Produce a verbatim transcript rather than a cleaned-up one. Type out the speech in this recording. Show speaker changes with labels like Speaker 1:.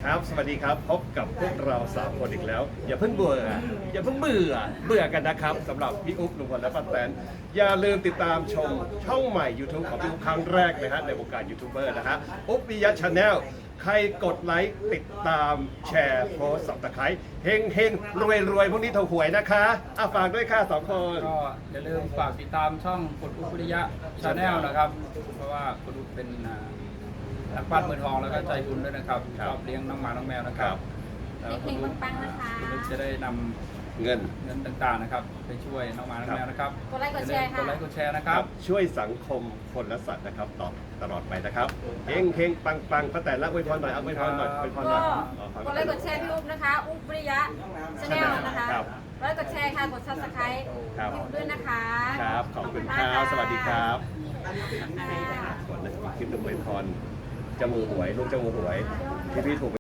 Speaker 1: ครับสวัสดีครับพบกับพวกเราสามคนอีกแล้ว อย่าเพิ่งเบื่ออย่าเพิ่งเบื่อเบื่อกันนะครับสำหรับพี่อุ๊บลุงพลและป้าแตนอย่าลืมติดตามชมช่องใหม่ YouTube ของพี่อุ๊บครั้งแรกนะฮะในวงการยูทูบเบอร์นะฮะอุ๊บปิยะชาแนลใครกดไลค์ติดตามแชร์โพสสับตะไคร้เฮงเฮงรวยรวยพวกนี้ถูกหวยนะคะอ่ะฝากด้วยค่ะสองคน
Speaker 2: ก็อย่าลืมฝากติดตามช่องคุณอุ๊บวิริยะชาแนลนะครับ เพราะว่าคุณอุ๊บเป็นอ่านักปั้นมือทองแล้วก็ใจบุญด้วยนะครับชอบเลี้ยงน้องหมาน้องแมวนะครับแล้วคุณอุ๊บ
Speaker 3: ปังๆนะคะ
Speaker 2: คุณอุ๊บจะได้นำ
Speaker 1: เงิน
Speaker 2: เงินต่างๆนะครับไปช่วยน้องหมาน้องแมวนะครับ
Speaker 3: กดไลค์กดแชร์ค่ะ
Speaker 2: กดไลค์กดแชร์นะครับ
Speaker 1: ช่วยสังคมคนและสัตว์นะครับต่อตลอดไปนะครับเฮงเฮงปังปังป้าแตนละอวยพรหน่อยเอาอวยพรหน่อยอวยพรหน่
Speaker 3: ก็
Speaker 1: อย
Speaker 3: กดไลค์กดแชร์พี่อุ๊บนะคะ อุ๊บวิริยะชาแนลนะคะ
Speaker 1: ครับ
Speaker 3: กดไลค์กดแชร์ค่ะ กดซับสไครต์
Speaker 1: ครับ
Speaker 3: พี่อุ๊บด้วยนะคะ
Speaker 1: ครับ ขอบคุณครับ สวัสดีครับก่อนนะคลิปหนึ่งอวยพรจมูกหวยลูกจมูกหวยที่พี่ถูก